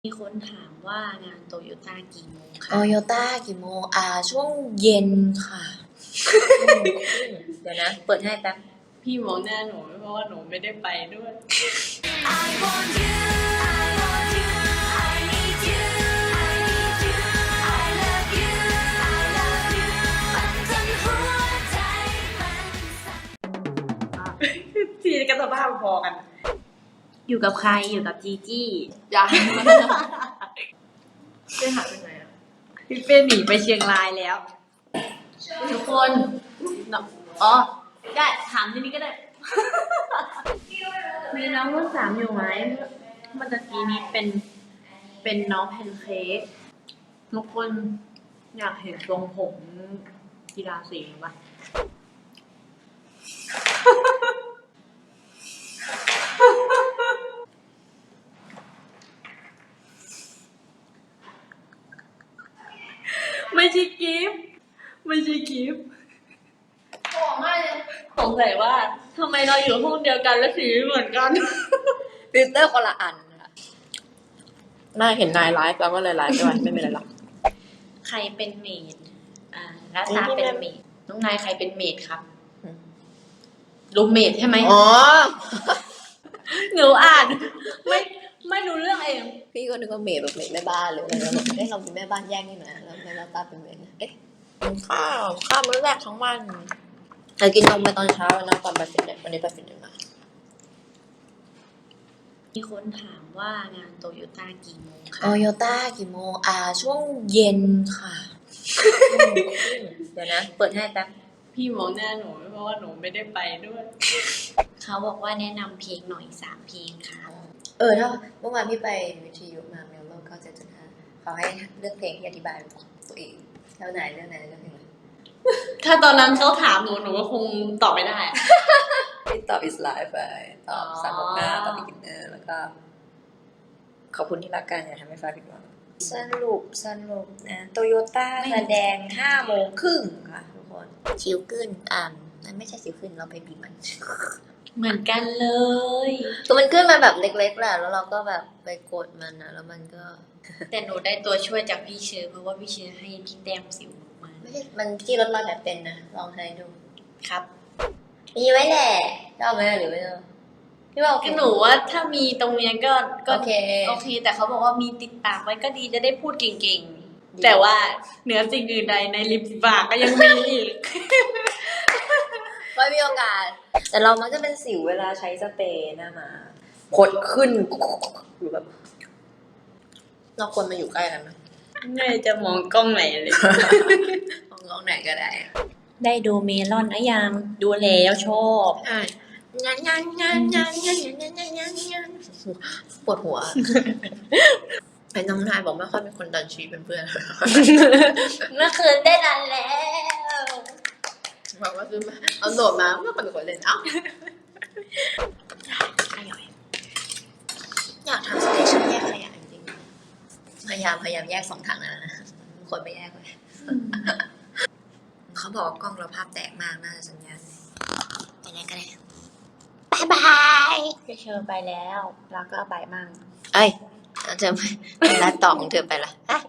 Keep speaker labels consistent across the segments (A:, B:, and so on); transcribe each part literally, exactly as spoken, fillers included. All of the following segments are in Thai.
A: มีคนถามว่างานโตโยต้ากี่โมงคะ
B: โตโยต้ากี่โมงอ่าช่วงเย็นค่ะเดี๋ยวนะเปิดให้แป๊บ
A: พี่มองหน้าหนูเพราะว่าหนูไม่ได้ไปด้วย
C: I want you I want you I need you I need you I love you I love you มันจนหัวใจมันสั่น
A: ทีกันสภาพพอกัน อยู่กับใครอยู่กับจีจี้
B: ยัง
A: ไปหาไปไหนอ่ะพี่เป้หนีไปเชียงรายแล้ว ทุกคนเนาะอ๋อได้ถามที่นี้ก็ได้ มีน้องรุ่นสามอยู่ไหมเมื่อตะกี้นี้เป็นเป็นน้องแพนเค้กทุกคนอยากเห็นทรงผมกีฬาสีป่ะ ไม่ใช่กิฟต์ไม่ใช่กิฟต์บอกไม่สงสัยว่าทำไมเราอยู่ห้องเดียวกันแล้วสีเหมือนกัน
B: ฟิลเตอร์คนละอันค่ะน่าเห็นนายไลฟ์แล้วก็เลยไลฟ์ด้วยไม่เป็นไรหรอก
A: ใครเป็นเมดอ่ารัตาเป็นเมดน้องนายใครเป็นเมดครับรูมเมดใช่ไหม
B: อ๋อ
A: หนูอ่าน ไม่ไม่รู้เรื่องเอง
B: พี่ก็นึกว่าเมดแบบเมดแม่บ้านเลยแล้วแบบเอ๊ะเราเป็นแม่บ้านแย่งนี่นะแล้วแม่บ้านตาเป็นเมดนะเอ๊ะกินข้าวข้าวมื้อแรกทั้งวันแต่กินนมไปตอนเช้าแล้วนะก่อนไปฟิตเนสวันนี้ไปฟิตเนสมา
A: มีคนถามว่างานโตโยต้ากี่โมงคะ
B: โตโยต้ากี่โมงอ่าช่วงเย็นค่ะเดี๋ยวนะเปิดให้แป๊บ
A: พี่มองหน้าหนูเพราะว่าหนูไม่ได้ไปด้วย เขาบอกว่าแนะนำเพลงหน่อยสามเพลงค่ะ
B: เออถ้าเมื่อวานพี่ไปวิทยุมาเมลโลเก้าเจ็ดจุดห้าเขาให้เลือกเพลงที่อธิบายตัวเองแล้วไหนเรื่องไหนเรื่องเพลงอะไร
A: ถ้าตอนนั้นเขาถามหนูหนูก็คงตอบไม่ได้
B: พี่ตอบ is live ไปตอบ
A: อ๋อ
B: สามหกห้าตอบ beginner แล้วก็ขอบคุณที่รักกันอย่าทำให้ฟ้าผิดหวังสรุปสรุปนะโตโยต้าแสดงห้าโมงครึ่งค่ะทุกคนชิวขึ้นอ่านนั่นไม่ใช่ชิวขึ้นเราไปบีบมัน
A: เหมือนกันเลย
B: คือมันขึ้นมาแบบเล็กๆแหละแล้วเราก็แบบไปกดมันนะแล้วมันก็
A: แต่หนูได้ตัวช่วยจากพี่เชอร์เพราะว่าพี่เชอร์ให้พี่แต้มสิวมา
B: ไม่ใช่มันที่ลดรอยแบบเป็นนะลองใช้ดู
A: ครับ
B: มีไว้แหละชอบไหมหรือไม่ชอบพี่ว่าโอเค
A: ก็หนูว่าถ้ามีตรงเนี้ยก็ก็
B: โอเค
A: โอเค แต่เขาบอกว่ามีติดปากไว้ก็ดีจะได้พูดเก่ง
B: ดี
A: ๆ แต่ว่าเหนือสิ่งอื่นใดในริมฝีปากก็ยังมีอีก
B: ไม่มีโอกาส แต่เรามักจะเป็นสิวเวลาใช้สเปรย์หน้ามาผดขึ้นอยู่แบบเราควรมาอยู่ใกล้กันไหม
A: ไม่จะมองกล้องไหนเลย
B: มองกล้องไหนก็ได้
A: ได้ดูเมลอนนะยังดูแล้วชอบ
B: ใช่งานงานงานงานงานงานงานงานงานปวดหัวไอ้น้องนายบอกไม่ค่อยมีคนดันชีเป็นเพื่อน
A: เมื่อคืนได้รันแล้ว
B: บอกว่าซื้อมาเอาโหลดมาไม่ค่อยมีคนเล่นเอ้าอร่อยอยากทำสเตชันแยกขยะจริงๆพยายามพยายามแยกสองถังแล้วนะคนไม่แยกเลยเขาบอกว่ากล้องเราภาพแตกมากน่าจะสัญญาณไปไหนก็ได้บายบาย
A: พี่เชอร์ไปแล้วแล้วก็ไปมั่ง
B: เอ้ยแล้วเธอไปร้านต่อของเธอไปละอ่ะ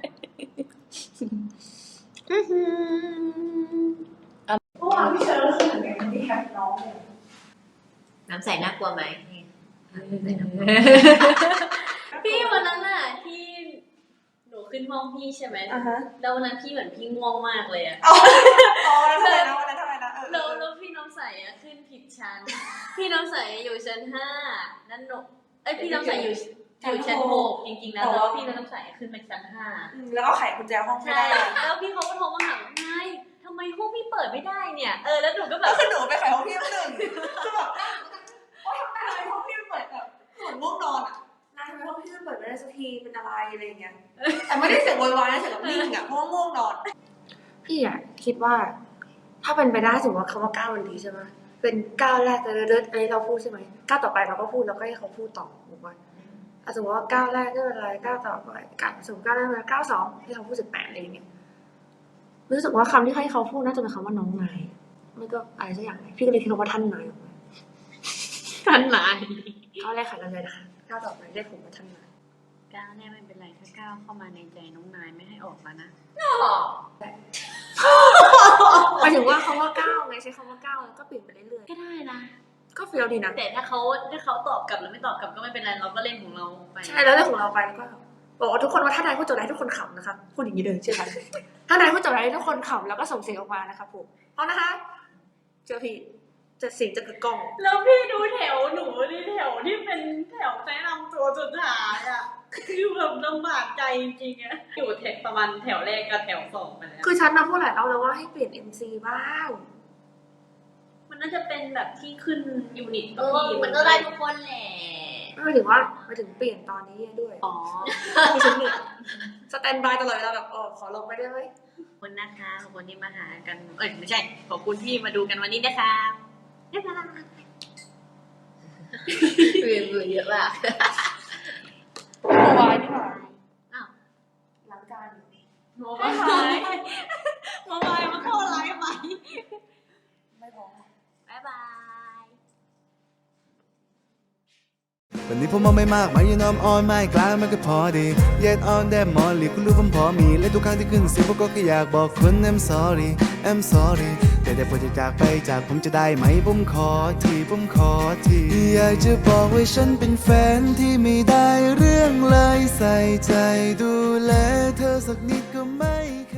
D: เมื่อวานพี่เชอร์รู้สึกยังไงที่แฮปน้องเนี่ย
B: น้ำใสน่ากลัวไหมนี่น้ำใสน่ากลัว
A: พี่วันนั้นน่ะที่หนูขึ้นห้องพี่ใช่ไหม
D: อ่าฮะ
A: แล้ววันนั้นพี่เหมือนพี่ง่วงมากเลยอะ
D: อ๋ออ๋อแล้วทำไมนะวันนั้นทำไมนะเออ
A: แล้วแล้วพี่น้ำใสอะขึ้นผิดชั้น พี่น้ำใสอยู่ชั้นห้านั่นหนูเอ้ยพี่น้ำใสอยู่อยู่ชั้นหกจริงๆนะแต่ว่าพี่น้ำใสขึ้นไปชั้นห้า
D: อืมแล้วก็ไขกุญแจห้องไม่
A: ใช่
D: ได้
A: แล้วพี่เขาก็โทรมาถามว่าไงทำไมห้องพี่เปิดไม่ได้เนี่ย เออ แล้วหนูก็แบ
D: แล้
A: บ
D: วคือหนูไปไขห้องพี่หนึ่งคือแบบว่าทำไมห้องพี่เปิดแบบเหมือนง่วงนอนอ่ะนายทำไมห้องพี่เปิดไม่ได้สักทีเป็นอะไรอะไรอย่างเงี้ยแต่ไม่ได้เสียงโวยวายนะเสียงแบบนิ่งอ่ะเพราะว่าง่วงนอน พี่อ่ะคิดว่า ถ้าเป็นไปได้สมมติว่าคำว่าก้าวมันดีใช่ไหมเป็นก้าวแรกเลยเลิศอันนี้เราพูดใช่ไหมก้าวต่อไปเราก็พูดแล้วก็ให้เขาพูดต่อถูกไหมอ่ะสมมติว่าก้าวแรกก็เป็นอะไรก้าวต่อไปกันสมมติก้าวแรกเป็นก้าวสองให้เขาพูดสิบแปดอะไรอย่างเงี้ยรู้สึกว่าคำที่ให้เขาพูดน่าจะเป็นคำว่าน้องนายไม่ก็อะไรสักอย่างพี่ก็เลยคิดว่าท่านนายออกมา
A: ท่านนาย
D: ก้าวแรกขายกันเลยนะคะก้าวต่อไปได้ผมว่าท่านนาย
A: ก้าวแน่ไม่เป็นไรถ้าก้าวเข้ามาในใจน้องนายไม่ให้ออกแล้วนะ
D: หมายถึงว่าคำว่าก้าวไงใช้คำว่าก้าวแล้วก็เปลี่ยนไปเรื่อย
A: ก็ได้นะ
D: ๆก็เฟี้ยวดีนะ
A: แต่ถ้าเขาถ้าเขาตอบกลับหรือไม่ตอบกลับก็ไม่เป็นไรเราก็เล่นของเราไป
D: ใช่แล้วเรื่องของเราไปแล้วก็บอกว่าทุกคนว่าถ้านายพูดจบได้ทุกคนขำนะคะพูดอย่างนี้เลยใช่ไหมถ้านายพูดจบได้ทุกคนขำแล้วก็ส่งเสียงออกมานะคะผมพร้อมนะคะเจอพี่จะเสียงจะกึกก้อง
A: แล้วพี่ดูแถวหนูนี่แถวที่เป็นแถวแนะนำตัวสุดท้ายอ่ะคือแบบลำบากใจจริงๆอะอยู่แถวประมาณแถวแรกกับแถวสองไปแล้ว
D: คือฉันนะพูดหลายรอบแล้วว่าให้เปลี่ยน เอ็ม ซี บ้าง
A: มันน่าจะเป็นแบบที่ขึ้นยูนิต
B: เออมันก็ได้ทุกคนแหละ
D: ไม่หมายถึงว่าหมายถึงเปลี่ยนตอนนี้ด้วย
A: อ๋อ
D: ที่ฉันเนี่ยสแตนบายตลอดเวลาแบบเออขอลงไปได้ไหม
A: ขอบคุณนะคะขอบคุณที่มาหากันเอ้ยไม่ใช่ขอบคุณที่มาดูกันวันนี้นะคะบ๊ายบาย
B: เรียนรู้เยอะมาก
D: โมบายนี่หว่า
A: อ้าว
D: ล้างจานอยู่
A: โมบายโมบายมาเข้าไลฟ์ไหม
D: ไม่พอ
A: บ๊ายบาย
E: วันนี้ผมมองไม่มากไม่ยืนอมอ่อนไม่กลางมันก็พอดีเย็ดออนแดมมอลลี่คุณรู้ผมพอมีและทุกครั้งที่ขึ้นเสียงผมก็แค่อยากบอกคุณ I'm sorry I'm sorry แต่แต่พอจะจากไปจากผมจะได้ไหมผมขอทีผมขอทีอยากจะบอกว่าฉันเป็นแฟนที่ไม่ได้เรื่องเลยใส่ใจดูแลเธอสักนิดก็ไม่